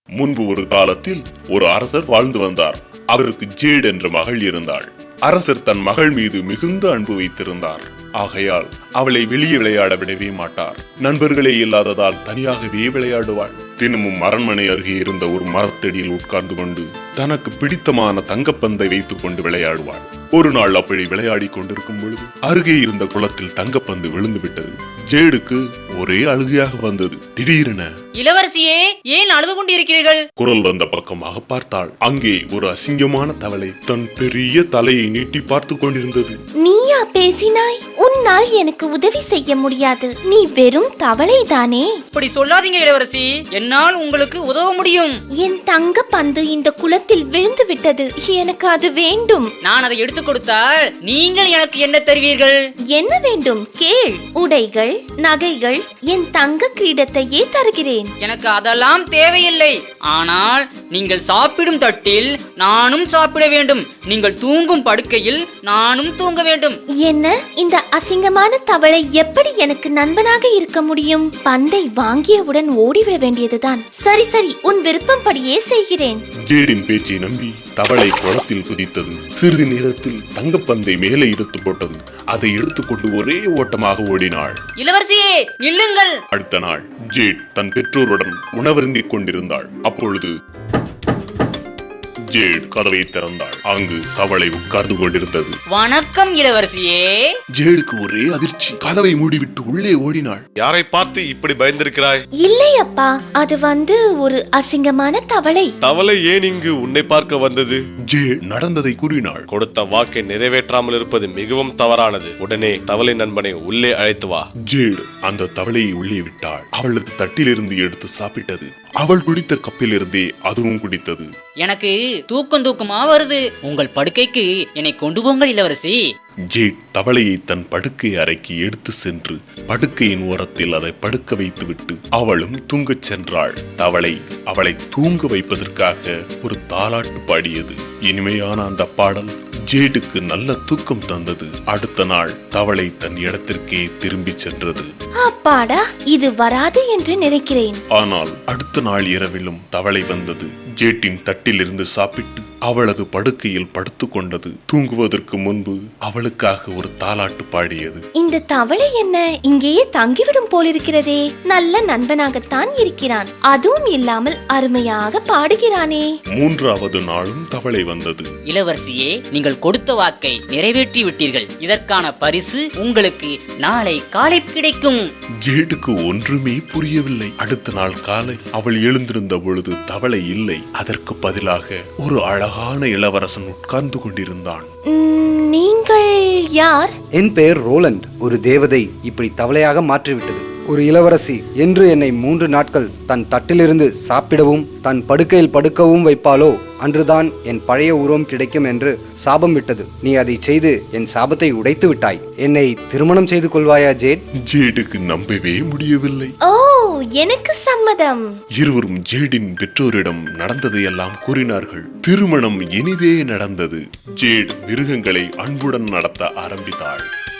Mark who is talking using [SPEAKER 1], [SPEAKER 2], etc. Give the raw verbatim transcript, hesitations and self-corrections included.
[SPEAKER 1] முன்பு ஒரு காலத்தில் ஒரு அரசர் வாழ்ந்து வந்தார். அவருக்கு ஜேட் என்ற மகள் இருந்தாள். அரசர் தன் மகள் மீது மிகுந்த அன்பு வைத்திருந்தார். ஆகையால் அவளை வெளியே விளையாட விடவே மாட்டார். நண்பர்களே இல்லாததால் தனியாகவே விளையாடுவாள். தினமும் அரண்மனை அருகே இருந்த ஒரு மரத்தடியில் உட்கார்ந்து கொண்டு தனக்கு பிடித்தமான தங்கப்பந்தை வைத்துக் கொண்டு விளையாடுவாள். ஒரு நாள் அப்படி விளையாடி கொண்டிருக்கும் பொழுது அருகே இருந்த குளத்தில் தங்கப்பந்து விழுந்து விட்டது. ஜேடுக்கு ஒரே அழுகையாக வந்தது. திடீரென,
[SPEAKER 2] இளவரசியே, ஏன் அழுது கொண்டிருக்கிறீர்கள்?
[SPEAKER 1] குரல் வந்த பக்கமாக பார்த்தாள். அங்கே ஒரு அசிங்கமான தவளை தன் பெரிய தலையை நீட்டி பார்த்து கொண்டிருந்தது.
[SPEAKER 3] நீயா பேசினாய்? உன்னால் எனக்கு உதவி செய்ய முடியாது. நீ வெறும் தவளை தானே.
[SPEAKER 2] இப்படி சொல்லாதீங்க இளவரசி, என்னால் உங்களுக்கு உதவ முடியும்.
[SPEAKER 3] என் தங்க பந்து இந்த குளத்தில் விழுந்து விட்டது. எனக்கு அது வேண்டும்.
[SPEAKER 2] நான் அதை எடுத்துக் கொடுத்தால் நீங்கள் எனக்கு என்ன தருவீர்கள்?
[SPEAKER 3] என்ன வேண்டும்? கேள். உடைகள், நகைகள், என் தங்க கிரீடத்தையே தருகிறேன்.
[SPEAKER 2] எனக்கு அதெல்லாம் தேவையில்லை. ஆனால் நீங்கள் சாப்பிடும் தட்டில் நானும் சாப்பிட வேண்டும். நீங்கள் தூங்கும் படுக்கையில் நானும் தூங்க வேண்டும்.
[SPEAKER 3] என்ன? இந்த அசிங்கமான தவளை எப்படி எனக்கு நண்பனாக இருக்க முடியும்? பந்தை வாங்கியவுடன் ஓடிவிட வேண்டியதுதான். சரி சரி, உன் விருப்பம் படியே செய்கிறேன்.
[SPEAKER 1] ஜேடின் பேச்சை நம்பி தவளை குளத்தில் குதித்தது. சிறிது நேரத்தில் தங்கப்பந்தை மேலே எடுத்து போட்டது. அதை எடுத்துக்கொண்டு ஒரே ஓட்டமாக ஓடினாள்.
[SPEAKER 2] இளவரசியே, நில்லுங்கள்.
[SPEAKER 1] அடுத்த நாள் ஜேட் தன் பெற்றோருடன் உணவருந்திக் கொண்டிருந்தாள். அப்பொழுது ஜேட் கதவை திறந்தாள். அங்கு தவளை உட்கார்ந்து கொண்டிருந்தது.
[SPEAKER 2] வணக்கம் இளவரசியே.
[SPEAKER 1] ஜேடுக்கு ஒரே அதிர்ச்சி. கதவை மூடிவிட்டு உள்ளே ஓடினாள்.
[SPEAKER 4] யாரை பார்த்து இப்படி பயந்திருக்கிறாய்?
[SPEAKER 3] இல்லை அப்பா, அது வந்து ஒரு அசிங்கமான தவளை.
[SPEAKER 4] தவளை ஏன் இங்கு உன்னை பார்க்க வந்தது?
[SPEAKER 1] ஜேட் நடந்ததை கூறினாள்.
[SPEAKER 4] கொடுத்த வாக்கை நிறைவேற்றாமல் இருப்பது மிகவும் தவறானது. உடனே தவளை நண்பனை உள்ளே அழைத்து வா.
[SPEAKER 1] ஜேட் அந்த தவளையை உள்ளே விட்டாள். அவளது தட்டிலிருந்து எடுத்து சாப்பிட்டது. அவள் குடித்த கப்பிலிருந்தே அதுவும் குடித்தது.
[SPEAKER 2] எனக்கு தூக்கம் தூக்கமா வருது. உங்கள் படுக்கைக்கு என்னை கொண்டு போங்கள் இளவரசி.
[SPEAKER 1] ஜேட் தவளையை தன் படுக்கை அறைக்கு எடுத்து சென்று படுக்கையின் ஓரத்தில் அதை படுக்க வைத்துவிட்டு அவளும் தூங்கச் சென்றாள். தவளை அவளை தூங்க வைப்பதற்காக ஒரு தாலாட்டு பாடியது. இனிமையான அந்த பாடல் ஜேடுக்கு நல்ல தூக்கம் தந்தது. அடுத்த நாள் தவளை தன் இடத்திற்கே திரும்பி சென்றது.
[SPEAKER 3] அப்பாடா, இது வராது என்று நினைக்கிறேன்.
[SPEAKER 1] ஆனால் அடுத்த நாள் இரவிலும் தவளை வந்தது. ஜேட்டின் தட்டிலிருந்து சாப்பிட்டு அவளது படுக்கையில் படுத்து கொண்டது. தூங்குவதற்கு முன்பு அவளுக்காக ஒரு தாலாட்டு பாடியது.
[SPEAKER 3] இந்த தவளை என்ன இங்கேயே தங்கிவிடும் போலிருக்கிறதே. நல்ல நண்பனாகத்தான் இருக்கிறான். அதுவும் இல்லாமல் அருமையாக பாடுகிறானே.
[SPEAKER 1] மூன்றாவது நாளும் தவளை வந்தது.
[SPEAKER 2] இளவரசியே, நீங்கள் கொடுத்த வாக்கை நிறைவேற்றி விட்டீர்கள். இதற்கான பரிசு உங்களுக்கு நாளை காலை கிடைக்கும்.
[SPEAKER 1] ஜேடுக்கு ஒன்றுமே புரியவில்லை. அடுத்த நாள் காலை அவள் எழுந்திருந்த பொழுது தவளை இல்லை. அதற்கு பதிலாக ஒரு அழகான இளவரசன் உட்கார்ந்து கொண்டிருந்தான்.
[SPEAKER 3] நீங்கள் யார்?
[SPEAKER 5] என் பெயர் ரோலண்ட். ஒரு தேவதை இப்படி தவளையாக மாற்றிவிட்டது. ஒரு இளவரசி என்று என்னை மூன்று நாட்கள் தன் தட்டிலிருந்து சாப்பிடவும் தன் படுக்கையில் படுக்கவும் வைப்பாளோ அன்றுதான் என் பழைய உருவம் கிடைக்கும் என்று சாபம் விட்டது. நீ அதை செய்து என் சாபத்தை உடைத்து விட்டாய். என்னை திருமணம் செய்து கொள்வாயா ஜேட்?
[SPEAKER 1] ஜேடுக்கு நம்பவே முடியவில்லை.
[SPEAKER 3] ஓ, எனக்கு சம்மதம்.
[SPEAKER 1] இருவரும் ஜேடின் பெற்றோரிடம் நடந்ததையெல்லாம் கூறினார்கள். திருமணம் இனிதே நடந்தது. ஜேட் மிருகங்களை அன்புடன் நடத்த ஆரம்பித்தாள்.